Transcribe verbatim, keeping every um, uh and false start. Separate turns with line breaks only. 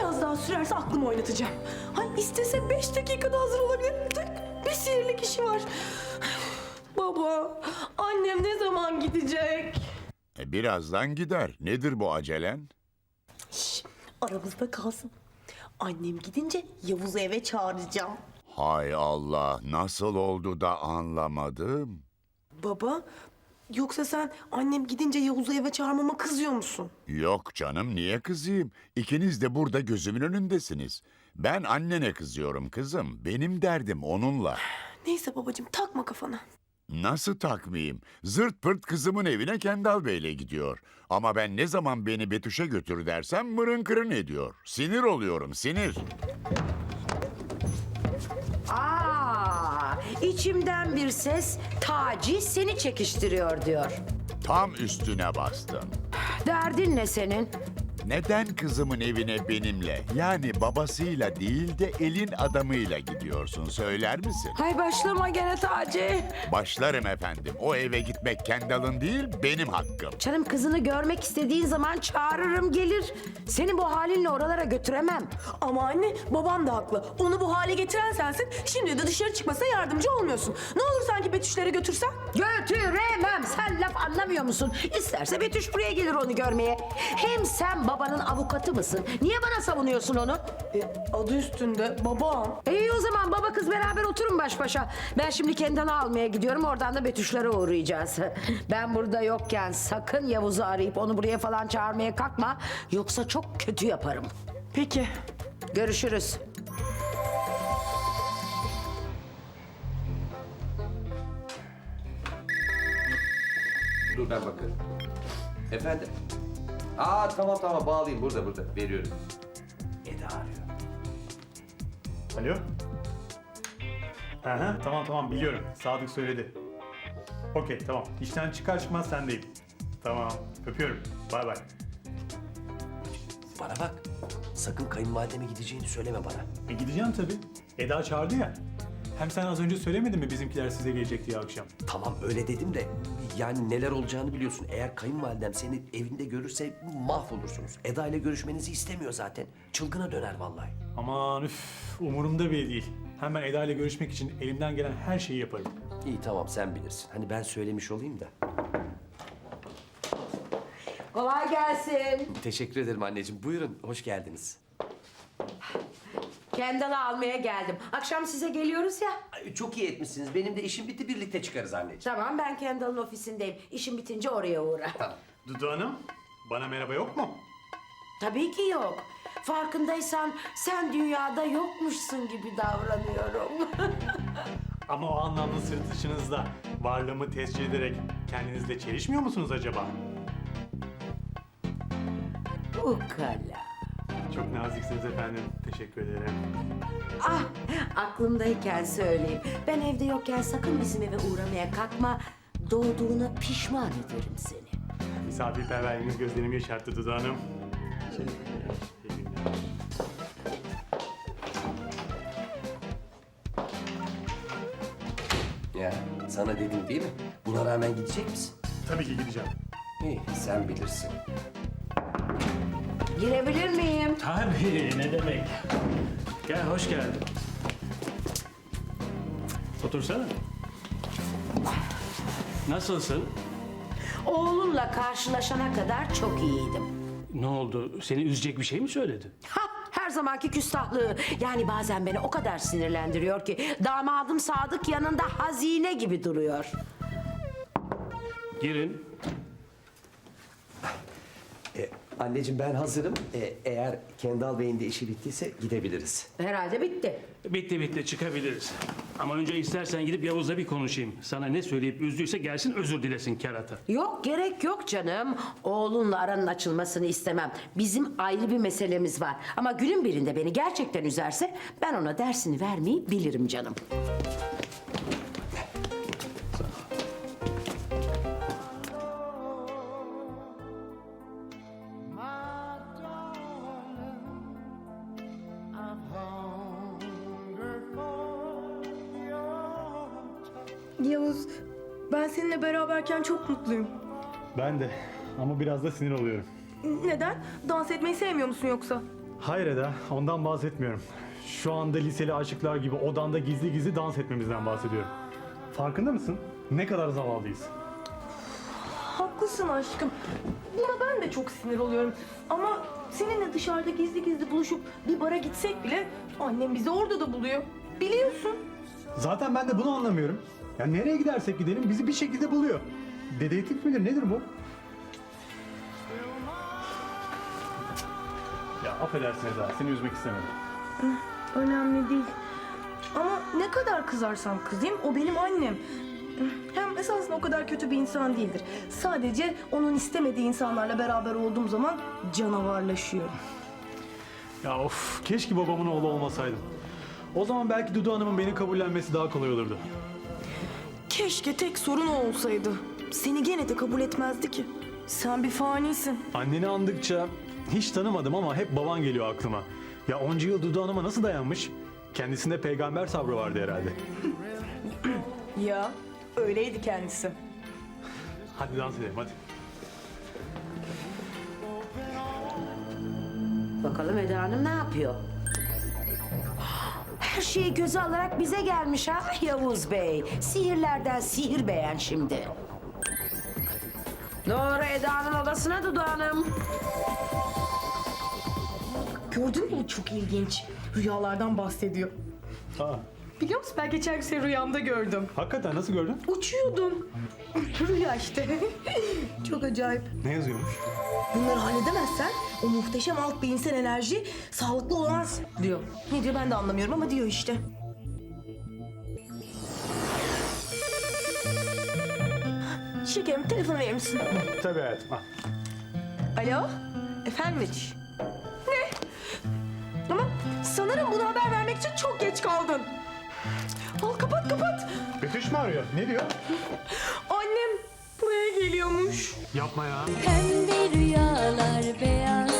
biraz daha sürerse aklımı oynatacağım. Hay istese beş dakikada hazır olabilir. Tık, bir sihirli kişi var. Baba, annem ne zaman gidecek?
E, birazdan gider. Nedir bu acelen?
Şş, aramızda kalsın. Annem gidince Yavuz'u eve çağıracağım.
Hay Allah, nasıl oldu da anlamadım.
Baba, yoksa sen annem gidince Yavuz'u eve çağırmama kızıyor musun?
Yok canım, niye kızayım? İkiniz de burada gözümün önündesiniz. Ben annene kızıyorum kızım. Benim derdim onunla.
Neyse babacığım, takma kafana.
Nasıl takmayayım? Zırt pırt kızımın evine Kendal Bey'le gidiyor. Ama ben ne zaman beni Betüş'e götür dersem mırın kırın ediyor. Sinir oluyorum, sinir.
Aa, içimden bir ses Taci seni çekiştiriyor diyor.
Tam üstüne bastın.
Derdin ne senin?
Neden kızımın evine benimle, yani babasıyla değil de elin adamıyla gidiyorsun, söyler misin?
Hay başlama gene Taci.
Başlarım efendim. O eve gitmek Kendal'ın değil, benim hakkım.
Canım kızını görmek istediğin zaman çağırırım gelir. Seni bu halinle oralara götüremem.
Ama anne, babam da haklı. Onu bu hale getiren sensin. Şimdi de dışarı çıkmasına yardımcı olmuyorsun. Ne olur sanki Betüşlere götürsen?
Götüremem. Sen laf anlamıyor musun? İsterse Betüş buraya gelir onu görmeye. Hem sen babanın avukatı mısın? Niye bana savunuyorsun onu?
E, adı üstünde babam.
İyi o zaman baba kız beraber oturun baş başa. Ben şimdi Kendal'ı almaya gidiyorum. Oradan da Betüşlere uğrayacağız. Ben burada yokken sakın Yavuz'u arayıp onu buraya falan çağırmaya kalkma. Yoksa çok kötü yaparım.
Peki.
Görüşürüz.
Dur ben bakarım. Efendim? Aa tamam tamam bağlayayım burada burada veriyorum. Eda arıyor.
Alo? Aha, tamam tamam biliyorum. Sadık söyledi. Okey tamam. İşten çıkar çıkmaz sendeyim. Tamam. Öpüyorum. Bay bay.
Bana bak. Sakın kayınvalideme gideceğini söyleme bana.
E gideceğim tabii. Eda çağırdı ya. Hem sen az önce söylemedin mi bizimkiler size gelecek diye akşam?
Tamam öyle dedim de yani neler olacağını biliyorsun. Eğer kayınvalidem seni evinde görürse mahvolursunuz. Eda ile görüşmenizi istemiyor zaten. Çılgına döner vallahi.
Aman üf, umurumda bile değil. Hemen Eda ile görüşmek için elimden gelen her şeyi yaparım.
İyi tamam sen bilirsin. Hani ben söylemiş olayım da.
Kolay gelsin.
Teşekkür ederim anneciğim. Buyurun hoş geldiniz.
Kendal'ı almaya geldim. Akşam size geliyoruz ya.
Ay, çok iyi etmişsiniz. Benim de işim bitti birlikte çıkarız anneciğim.
Tamam ben Kendal'ın ofisindeyim. İşim bitince oraya uğra.
Tamam.
Dudu Hanım, bana merhaba yok mu?
Tabii ki yok. Farkındaysan sen dünyada yokmuşsun gibi davranıyorum.
Ama o anlamda sırtışınızda varlığımı tescil ederek kendinizle çelişmiyor musunuz acaba?
Ukala.
Çok naziksiniz efendim. Teşekkür ederim.
Ah, aklımdayken söyleyeyim. Ben evde yokken sakın bizim eve uğramaya kalkma. Doğduğuna pişman ederim seni.
Misafirperverliğiniz gözlerimi yaşarttı Dudu Hanım. İyi günler.
Ya sana dedim değil mi? Buna rağmen gidecek misin?
Tabii ki gideceğim.
İyi sen bilirsin.
Girebilir miyim?
Tabii, ne demek. Gel, hoş geldin. Otursana. Nasılsın?
Oğlunla karşılaşana kadar çok iyiydim.
Ne oldu? Seni üzecek bir şey mi söyledi?
Ha, her zamanki küstahlığı. Yani bazen beni o kadar sinirlendiriyor ki damadım Sadık yanında hazine gibi duruyor.
Girin.
Ee, anneciğim ben hazırım. Ee, eğer Kendal Bey'in de işi bittiyse gidebiliriz.
Herhalde bitti.
Bitti bitti, çıkabiliriz. Ama önce istersen gidip Yavuz'la bir konuşayım. Sana ne söyleyip üzdüyse gelsin özür dilesin kerata.
Yok gerek yok canım. Oğlunla aranın açılmasını istemem. Bizim ayrı bir meselemiz var. Ama günün birinde beni gerçekten üzerse ben ona dersini vermeyi bilirim canım.
Yavuz, ben seninle beraberken çok mutluyum.
Ben de ama biraz da sinir oluyorum.
Neden? Dans etmeyi sevmiyor musun yoksa?
Hayır Eda, ondan bahsetmiyorum. Şu anda liseli aşıklar gibi odanda gizli gizli dans etmemizden bahsediyorum. Farkında mısın? Ne kadar zavallıyız.
Haklısın aşkım. Buna ben de çok sinir oluyorum. Ama seninle dışarıda gizli gizli buluşup bir bara gitsek bile annem bizi orada da buluyor. Biliyorsun.
Zaten ben de bunu anlamıyorum. Ya nereye gidersek gidelim bizi bir şekilde buluyor. Dedektif midir nedir bu? Ya affedersin Eda, seni üzmek istemedim.
Önemli değil. Ama ne kadar kızarsam kızayım o benim annem. Hem esasında o kadar kötü bir insan değildir. Sadece onun istemediği insanlarla beraber olduğum zaman canavarlaşıyor.
Ya of, keşke babamın oğlu olmasaydım. O zaman belki Dudu Hanım'ın beni kabullenmesi daha kolay olurdu.
Keşke tek sorun o olsaydı. Seni gene de kabul etmezdi ki. Sen bir fanisin.
Anneni andıkça hiç tanımadım ama hep baban geliyor aklıma. Ya onca yıl Dudu Hanım'a nasıl dayanmış? Kendisinde peygamber sabrı vardı herhalde.
Ya öyleydi kendisi.
Hadi dans edelim hadi.
Bakalım Eda Hanım ne yapıyor? Her şeyi göze alarak bize gelmiş ha Yavuz Bey. Sihirlerden sihir beğen şimdi. Doğru Eda'nın odasına Dudu Hanım.
Gördün mü, bu çok ilginç. Rüyalardan bahsediyor.
Aa,
Biliyor musun, ben geçen gün seni rüyamda gördüm.
hakikaten nasıl gördün?
Uçuyordun. Rüya işte. Çok acayip.
Ne yazıyormuş?
Bunları halledemezsen o muhteşem alt beyinsel enerji sağlıklı olamaz diyor. Ne diyor ben de anlamıyorum ama diyor işte. Şekerim, telefonu verir misin?
Tabii hayatım. Al.
Alo? Efendim Betüş? Ne? Ama sanırım bunu haber vermek için çok geç kaldın. Al kapat kapat.
Betüş mü arıyor? Ne diyor?
Annem buraya geliyormuş.
Yapma ya.
Pembe rüyalar, beyaz